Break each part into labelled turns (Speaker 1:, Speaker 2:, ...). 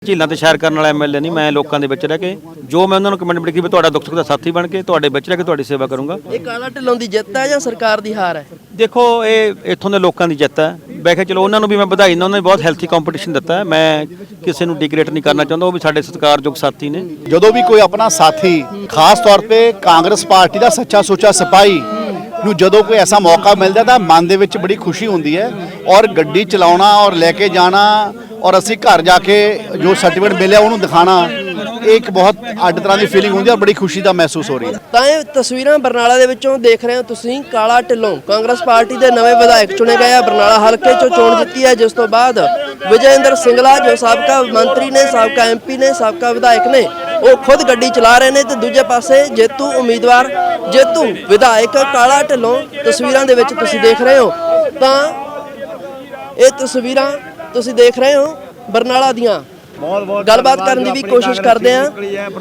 Speaker 1: ਝੀਲਾਂ ਤੇ ਸ਼ਹਿਰ ਕਰਨ ਵਾਲਾ ਐਮਐਲਏ ਨਹੀਂ। ਮੈਂ ਲੋਕਾਂ ਦੇ ਵਿੱਚ ਰਹਿ ਕੇ ਜੋ ਮੈਂ ਉਹਨਾਂ ਨੂੰ ਕਮਿਟਮੈਂਟ ਕੀਤੀ ਵੀ ਤੁਹਾਡਾ ਦੁੱਖ ਸੁੱਖ ਦਾ ਸਾਥੀ ਬਣ ਕੇ ਤੁਹਾਡੇ ਵਿੱਚ ਰਹਿ ਕੇ ਤੁਹਾਡੀ ਸੇਵਾ ਕਰੂੰਗਾ।
Speaker 2: ਇਹ ਕਾਲਾ ਢਿੱਲੋਂ ਦੀ ਜਿੱਤ ਹੈ ਜਾਂ ਸਰਕਾਰ ਦੀ ਹਾਰ ਹੈ?
Speaker 1: ਦੇਖੋ ਇਹ ਇੱਥੋਂ ਦੇ ਲੋਕਾਂ ਦੀ ਜਿੱਤ ਹੈ। ਵੈਸੇ ਚਲੋ ਉਹਨਾਂ ਨੂੰ ਵੀ ਮੈਂ ਵਧਾਈ ਦਿੰਦਾ, ਉਹਨਾਂ ਨੇ ਬਹੁਤ ਹੈਲਥੀ ਕੰਪੀਟੀਸ਼ਨ ਦਿੱਤਾ ਹੈ। ਮੈਂ ਕਿਸੇ ਨੂੰ ਡਿਗਰੇਡ ਨਹੀਂ ਕਰਨਾ ਚਾਹੁੰਦਾ, ਉਹ ਵੀ ਸਾਡੇ ਸਤਿਕਾਰਯੋਗ ਸਾਥੀ ਨੇ।
Speaker 3: ਜਦੋਂ ਵੀ ਕੋਈ ਆਪਣਾ ਸਾਥੀ ਖਾਸ ਤੌਰ ਤੇ ਕਾਂਗਰਸ ਪਾਰਟੀ ਦਾ ਸੱਚਾ ਸੁੱਚਾ ਸਿਪਾਹੀ ਨੂੰ ਜਦੋਂ ਕੋਈ ਐਸਾ ਮੌਕਾ ਮਿਲਦਾ ਤਾਂ ਮਨ ਦੇ ਵਿੱਚ ਬੜੀ ਖੁਸ਼ੀ ਹੁੰਦੀ ਹੈ। ਔਰ ਗੱਡੀ ਚਲਾਉਣਾ ਔਰ ਲੈ ਕੇ ਜਾਣਾ ਔਰ ਅਸੀਂ ਘਰ ਜਾ ਕੇ ਜੋ ਸਰਟੀਫਿਕੇਟ ਮਿਲਿਆ ਉਹਨੂੰ ਦਿਖਾਣਾ, ਇਹ ਇੱਕ ਬਹੁਤ ਅੱਡ ਤਰ੍ਹਾਂ ਦੀ ਫੀਲਿੰਗ ਹੁੰਦੀ ਹੈ ਔਰ ਬੜੀ ਖੁਸ਼ੀ ਦਾ ਮਹਿਸੂਸ ਹੋ ਰਹੀ ਹੈ।
Speaker 2: ਤਾਂ ਇਹ ਤਸਵੀਰਾਂ ਬਰਨਾਲਾ ਦੇ ਵਿੱਚੋਂ ਦੇਖ ਰਹੇ ਹੋ ਤੁਸੀਂ। ਕਾਲਾ ਢਿੱਲੋਂ ਕਾਂਗਰਸ ਪਾਰਟੀ ਦੇ ਨਵੇਂ ਵਿਧਾਇਕ ਚੁਣੇ ਗਏ ਆ। ਬਰਨਾਲਾ ਹਲਕੇ ਚੋਂ ਚੋਣ ਜਿੱਤੀ ਹੈ, ਜਿਸ ਤੋਂ ਬਾਅਦ ਵਿਜੇਂਦਰ ਸਿੰਗਲਾ ਜੋ ਸਾਬਕਾ ਮੰਤਰੀ ਨੇ, ਸਾਬਕਾ ਐਮਪੀ ਨੇ, ਸਾਬਕਾ ਵਿਧਾਇਕ ਨੇ, ਉਹ ਖੁਦ ਗੱਡੀ ਚਲਾ ਰਹੇ ਨੇ ਤੇ ਦੂਜੇ ਪਾਸੇ ਜੇਤੂ ਉਮੀਦਵਾਰ, ਜੇਤੂ ਵਿਧਾਇਕ ਕਾਲਾ ਢਿੱਲੋਂ ਤਸਵੀਰਾਂ ਦੇ ਵਿੱਚ ਤੁਸੀਂ ਦੇਖ ਰਹੇ ਹੋ। ਤਾਂ ਇਹ ਤਸਵੀਰਾਂ ਤੁਸੀਂ ਦੇਖ ਰਹੇ ਹੋ ਬਰਨਾਲਾ ਦੀਆਂ। ਗੱਲਬਾਤ ਕਰਨ ਦੀ ਵੀ ਕੋਸ਼ਿਸ਼ ਕਰਦੇ ਆ।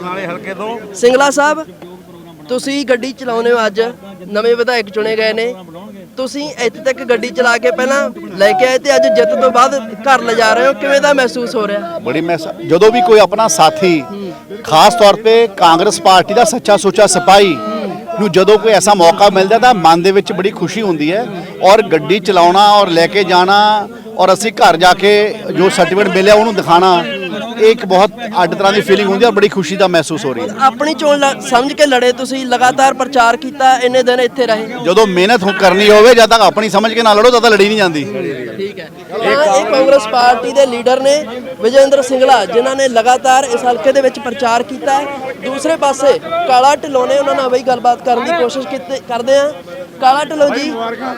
Speaker 2: ਸਿੰਗਲਾ ਸਾਹਿਬ, ਤੁਸੀਂ ਗੱਡੀ ਚਲਾਉਂਦੇ ਹੋ, ਅੱਜ ਨਵੇਂ ਵਿਧਾਇਕ ਚੁਣੇ ਗਏ ਨੇ, ਤੁਸੀਂ ਇੱਥੇ ਤੱਕ ਗੱਡੀ ਚਲਾ ਕੇ ਪਹਿਲਾਂ ਲੈ ਕੇ ਆਏ ਤੇ ਅੱਜ ਜਿੱਤ ਤੋਂ ਬਾਅਦ ਘਰ ਲਿਜਾ ਰਹੇ ਹੋ, ਕਿਵੇਂ ਦਾ ਮਹਿਸੂਸ ਹੋ ਰਿਹਾ?
Speaker 3: ਬੜੀ ਜਦੋਂ ਵੀ ਕੋਈ ਆਪਣਾ ਸਾਥੀ ਖਾਸ ਤੌਰ ਤੇ ਕਾਂਗਰਸ ਪਾਰਟੀ ਦਾ ਸੱਚਾ ਸੁੱਚਾ ਸਿਪਾਹੀ ਨੂੰ ਜਦੋਂ ਕੋਈ ਐਸਾ ਮੌਕਾ ਮਿਲਦਾ ਤਾਂ ਮਨ ਦੇ ਵਿੱਚ ਬੜੀ ਖੁਸ਼ੀ ਹੁੰਦੀ ਹੈ। ਔਰ ਗੱਡੀ ਚਲਾਉਣਾ ਔਰ ਲੈ ਕੇ ਜਾਣਾ ਔਰ ਅਸੀਂ ਘਰ ਜਾ ਕੇ ਜੋ ਸਰਟੀਫਿਕੇਟ ਮਿਲਿਆ ਉਹਨੂੰ ਦਿਖਾਣਾ, ਇਹ ਇੱਕ ਬਹੁਤ ਅੱਡ ਤਰ੍ਹਾਂ ਦੀ ਫੀਲਿੰਗ ਹੁੰਦੀ ਹੈ ਔਰ ਬੜੀ ਖੁਸ਼ੀ ਦਾ ਮਹਿਸੂਸ ਹੋ ਰਹੀ ਹੈ।
Speaker 2: ਆਪਣੀ ਚੋਣ ਸਮਝ ਕੇ ਲੜੇ, ਤੁਸੀਂ ਲਗਾਤਾਰ ਪ੍ਰਚਾਰ ਕੀਤਾ, ਇੰਨੇ ਦਿਨ ਇੱਥੇ ਰਹੇ।
Speaker 3: ਜਦੋਂ ਮਿਹਨਤ ਕਰਨੀ ਹੋਵੇ ਜਦ ਤੱਕ ਆਪਣੀ ਸਮਝ ਕੇ ਨਾ ਲੜੋ ਤਦ ਤੱਕ ਲੜੀ ਨਹੀਂ ਜਾਂਦੀ।
Speaker 2: ਠੀਕ ਹੈ। ਇਹ ਕਾਂਗਰਸ ਪਾਰਟੀ ਦੇ ਲੀਡਰ ਨੇ ਵਿਜੇਂਦਰ ਸਿੰਗਲਾ, ਜਿਨ੍ਹਾਂ ਨੇ ਲਗਾਤਾਰ ਇਸ ਹਲਕੇ ਦੇ ਵਿੱਚ ਪ੍ਰਚਾਰ ਕੀਤਾ ਹੈ। ਦੂਸਰੇ ਪਾਸੇ ਕਾਲਾ ਢਿੱਲੋਂ ਨੇ, ਉਹਨਾਂ ਨਾਲ ਵੀ ਗੱਲਬਾਤ ਕਰਨ ਦੀ ਕੋਸ਼ਿਸ਼ ਕਰਦੇ ਆ। ਕਾਲਾ ਢਿੱਲੋਂ ਜੀ,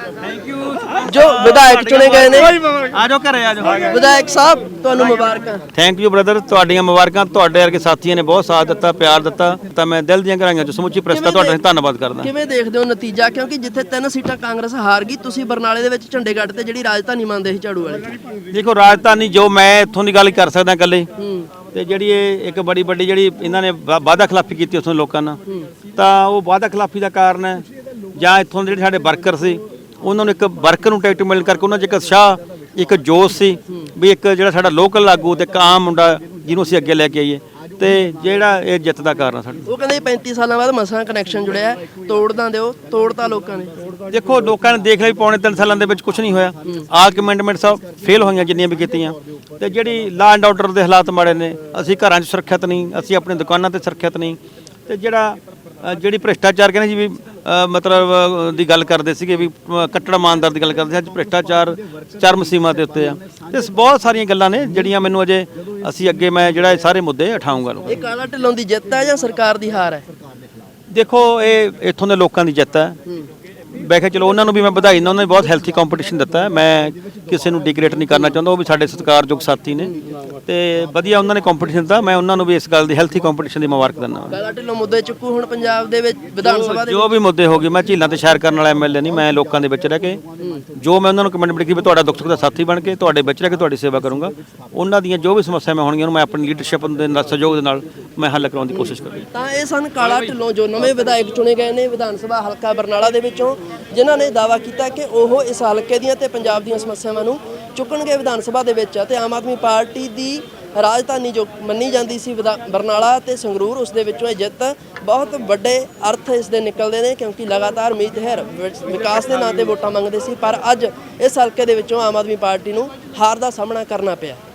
Speaker 2: ਜੋ ਵਿਧਾਇਕ ਚੁਣੇ ਗਏ ਨੇ,
Speaker 1: ਆਜੋ ਘਰੇ ਆਜੋ।
Speaker 2: ਵਿਧਾਇਕ ਸਾਹਿਬ ਤੁਹਾਨੂੰ ਮੁਬਾਰਕਾਂ।
Speaker 1: ਥੈਂਕ ਯੂ ਬ੍ਰਦਰ, ਤੁਹਾਡੀਆਂ ਮੁਬਾਰਕਾਂ। ਤੁਹਾਡੇ ਵਰਗੇ ਸਾਥੀਆਂ ਨੇ ਬਹੁਤ ਸਾਥ ਦਿੱਤਾ, ਪਿਆਰ ਦਿੱਤਾ, ਤਾਂ ਮੈਂ ਦਿਲ ਦੀਆਂ ਗਹਿਰਾਈਆਂ ਚੋਂ ਸਮੁੱਚੀ ਪ੍ਰੈਸ ਦਾ ਤੁਹਾਡਾ ਧੰਨਵਾਦ ਕਰਦਾ।
Speaker 2: ਕਿਵੇਂ ਦੇਖਦੇ ਹੋ ਨਤੀਜਾ? ਕਿਉਂਕਿ ਜਿੱਥੇ 3 ਸੀਟਾਂ ਕਾਂਗਰਸ ਹਾਰ ਗਈ, ਤੁਸੀਂ ਬਰਨਾਲੇ ਦੇ ਵਿੱਚ ਝੰਡੇ ਗੱਡ ਤੇ ਜਿਹੜੀ ਰਾਜਧਾਨੀ ਮੰਨਦੇ ਸੀ ਝਾੜੂ ਵਾਲੇ।
Speaker 1: ਦੇਖੋ ਰਾਜਧਾਨੀ ਜੋ ਮੈਂ ਇੱਥੋਂ ਦੀ ਗੱਲ ਕਰ ਸਕਦਾ ਇਕੱਲੇ, ਤੇ ਜਿਹੜੀ ਇਹ ਇੱਕ ਬੜੀ ਵੱਡੀ ਜਿਹੜੀ ਇਹਨਾਂ ਨੇ ਵਾਅਦਾ ਖਿਲਾਫੀ ਕੀਤੀ ਉੱਥੋਂ ਲੋਕਾਂ ਨਾਲ, ਤਾਂ ਉਹ ਵਾਅਦਾ ਖਿਲਾਫੀ ਦਾ ਕਾਰਨ ਹੈ ਜਾਂ ਇੱਥੋਂ ਦੇ ਜਿਹੜੇ ਸਾਡੇ ਵਰਕਰ ਸੀ, ਉਹਨਾਂ ਨੂੰ ਇੱਕ ਵਰਕਰ ਨੂੰ ਟਿਕਟ ਮਿਲਣ ਕਰਕੇ ਉਹਨਾਂ 'ਚ ਇੱਕ ਉਤਸ਼ਾਹ, ਇੱਕ ਜੋਸ਼ ਸੀ ਵੀ ਇੱਕ ਜਿਹੜਾ ਸਾਡਾ ਲੋਕਲ ਆਗੂ ਤੇ ਇੱਕ ਆਮ ਮੁੰਡਾ ਜਿਹਨੂੰ ਅਸੀਂ ਅੱਗੇ ਲੈ ਕੇ ਆਈਏ, ਤੇ ਜਿਹੜਾ ਇਹ ਜਿੱਤ ਦਾ ਕਾਰਨ ਆ ਸਾਡਾ। ਉਹ
Speaker 2: ਕਹਿੰਦੇ 35 ਸਾਲਾਂ ਬਾਅਦ ਮਸਾਂ ਕਨੈਕਸ਼ਨ ਜੁੜਿਆ, ਤੋੜਦਾ ਦਿਓ, ਤੋੜਤਾ ਲੋਕਾਂ ਨੇ।
Speaker 1: ਦੇਖੋ ਲੋਕਾਂ ਨੇ ਦੇਖ ਲਿਆ ਵੀ ਪੌਣੇ 3 ਸਾਲਾਂ ਦੇ ਵਿੱਚ ਕੁਝ ਨਹੀਂ ਹੋਇਆ। ਆਲ ਕਮੈਂਡਮੈਂਟ ਸਭ ਫੇਲ ਹੋਈਆਂ ਜਿੰਨੀਆਂ ਵੀ ਕੀਤੀਆਂ, ਤੇ ਜਿਹੜੀ ਲਾ ਐਂਡ ਆਰਡਰ ਦੇ ਹਾਲਾਤ ਮਾੜੇ ਨੇ, ਅਸੀਂ ਘਰਾਂ 'ਚ ਸੁਰੱਖਿਅਤ ਨਹੀਂ, ਅਸੀਂ ਆਪਣੀ ਦੁਕਾਨਾਂ ਤੇ ਸੁਰੱਖਿਅਤ ਨਹੀਂ, ਤੇ ਜਿਹੜੀ ਭ੍ਰਿਸ਼ਟਾਚਾਰ ਕਹਿੰਦੇ ਜੀ ਵੀ ਮਤਲਬ ਦੀ ਗੱਲ ਕਰਦੇ ਸੀਗੇ ਵੀ ਕੱਟੜ ਇਮਾਨਦਾਰ ਦੀ ਗੱਲ ਕਰਦੇ ਸੀ, ਅੱਜ ਭ੍ਰਿਸ਼ਟਾਚਾਰ ਚਰਮ ਸੀਮਾ ਦੇ ਉੱਤੇ ਆ। ਤੇ ਬਹੁਤ ਸਾਰੀਆਂ ਗੱਲਾਂ ਨੇ ਜਿਹੜੀਆਂ ਮੈਨੂੰ ਅਜੇ ਅਸੀਂ ਅੱਗੇ ਮੈਂ ਜਿਹੜਾ ਇਹ ਸਾਰੇ ਮੁੱਦੇ ਉਠਾਊਂਗਾ।
Speaker 2: ਇਹ ਕਾਲਾ ਢਿੱਲੋਂ ਦੀ ਜਿੱਤ ਹੈ ਜਾਂ ਸਰਕਾਰ ਦੀ ਹਾਰ ਹੈ?
Speaker 1: ਦੇਖੋ ਇਹ ਇੱਥੋਂ ਦੇ ਲੋਕਾਂ ਦੀ ਜਿੱਤ ਹੈ। ਵੈਸੇ ਚਲੋ ਉਹਨਾਂ ਨੂੰ ਵੀ ਮੈਂ ਵਧਾਈ ਦਿੰਦਾ, ਉਹਨਾਂ ਨੇ ਬਹੁਤ ਹੈਲਥੀ ਕੰਪੀਟੀਸ਼ਨ ਦਿੱਤਾ ਹੈ। ਮੈਂ ਕਿਸੇ ਨੂੰ ਡਿਗਰੇਡ ਨਹੀਂ ਕਰਨਾ ਚਾਹੁੰਦਾ, ਉਹ ਵੀ ਸਾਡੇ ਸਤਿਕਾਰਯੋਗ ਸਾਥੀ ਨੇ, ਤੇ ਵਧੀਆ ਉਹਨਾਂ ਨੇ ਕੰਪੀਟੀਸ਼ਨ ਦਿੱਤਾ। ਮੈਂ ਉਹਨਾਂ ਨੂੰ ਵੀ ਇਸ ਗੱਲ ਦੀ ਹੈਲਥੀ ਕੰਪੀਟੀਸ਼ਨ ਦੀ ਮੁਬਾਰਕ ਦਿੰਦਾ।
Speaker 2: ਕਾਲਾ ਢਿੱਲੋਂ ਮੁੱਦੇ ਚੁੱਕੂ ਹੁਣ ਪੰਜਾਬ ਦੇ ਵਿੱਚ ਵਿਧਾਨ ਸਭਾ ਦੇ
Speaker 1: ਜੋ ਵੀ ਮੁੱਦੇ ਹੋ ਗਏ। ਮੈਂ ਝੀਲਾਂ ਤੇ ਸ਼ਹਿਰ ਕਰਨ ਵਾਲਾ ਐਮਐਲਏ ਨਹੀਂ। ਮੈਂ ਲੋਕਾਂ ਦੇ ਵਿੱਚ ਰਹਿ ਕੇ ਜੋ ਮੈਂ ਉਹਨਾਂ ਨੂੰ ਕਮਿਟਮੈਂਟ ਕੀਤੀ ਵੀ ਤੁਹਾਡਾ ਦੁੱਖ ਸੁੱਖ ਦਾ ਸਾਥੀ ਬਣ ਕੇ ਤੁਹਾਡੇ ਵਿੱਚ ਰਹਿ ਕੇ ਤੁਹਾਡੀ ਸੇਵਾ ਕਰੂੰਗਾ। ਉਹਨਾਂ ਦੀਆਂ ਜੋ ਵੀ ਸਮੱਸਿਆਵਾਂ ਹੋਣਗੀਆਂ ਉਹਨੂੰ ਮੈਂ ਆਪਣੀ ਲੀਡਰਸ਼ਿਪ ਦੇ ਨਾਲ, ਸਹਿਯੋਗ ਦੇ ਨਾਲ ਮੈਂ ਹੱਲ ਕਰਾਉਣ ਦੀ ਕੋਸ਼ਿਸ਼ ਕਰਾਂਗਾ।
Speaker 2: ਤਾਂ ਇਹ ਸਨ ਕਾਲਾ ਢਿੱਲੋਂ, ਜੋ ਨਵੇਂ ਵਿਧਾਇਕ ਚੁਣੇ ਗਏ ਨੇ ਵਿਧਾਨ ਸਭਾ ਹਲਕਾ ਬਰਨਾਲਾ ਦੇ ਵਿੱਚੋਂ, ਜਿਨ੍ਹਾਂ ਨੇ ਦਾਅਵਾ ਕੀਤਾ ਕਿ ਉਹ ਇਸ ਹਲਕੇ ਦੀਆਂ ਤੇ ਪੰਜਾਬ ਦੀਆਂ ਸਮੱਸਿਆਵਾਂ ਨੂੰ ਚੁੱਕਣਗੇ ਵਿਧਾਨ ਸਭਾ ਦੇ ਵਿੱਚ। ਤੇ ਆਮ ਆਦਮੀ ਪਾਰਟੀ ਦੀ ਰਾਜਧਾਨੀ ਜੋ ਮੰਨੀ ਜਾਂਦੀ ਸੀ ਬਰਨਾਲਾ ਤੇ ਸੰਗਰੂਰ, ਉਸ ਦੇ ਵਿੱਚੋਂ ਇਹ ਜਿੱਤ ਬਹੁਤ ਵੱਡੇ ਅਰਥ ਇਸ ਦੇ ਨਿਕਲਦੇ ਨੇ, ਕਿਉਂਕਿ ਲਗਾਤਾਰ ਮੀਤ ਹੈਰ ਵਿਕਾਸ ਦੇ ਨਾਂ ਤੇ ਵੋਟਾਂ ਮੰਗਦੇ ਸੀ, ਪਰ ਅੱਜ ਇਸ ਹਲਕੇ ਦੇ ਵਿੱਚੋਂ ਆਮ ਆਦਮੀ ਪਾਰਟੀ ਨੂੰ ਹਾਰ ਦਾ ਸਾਹਮਣਾ ਕਰਨਾ ਪਿਆ।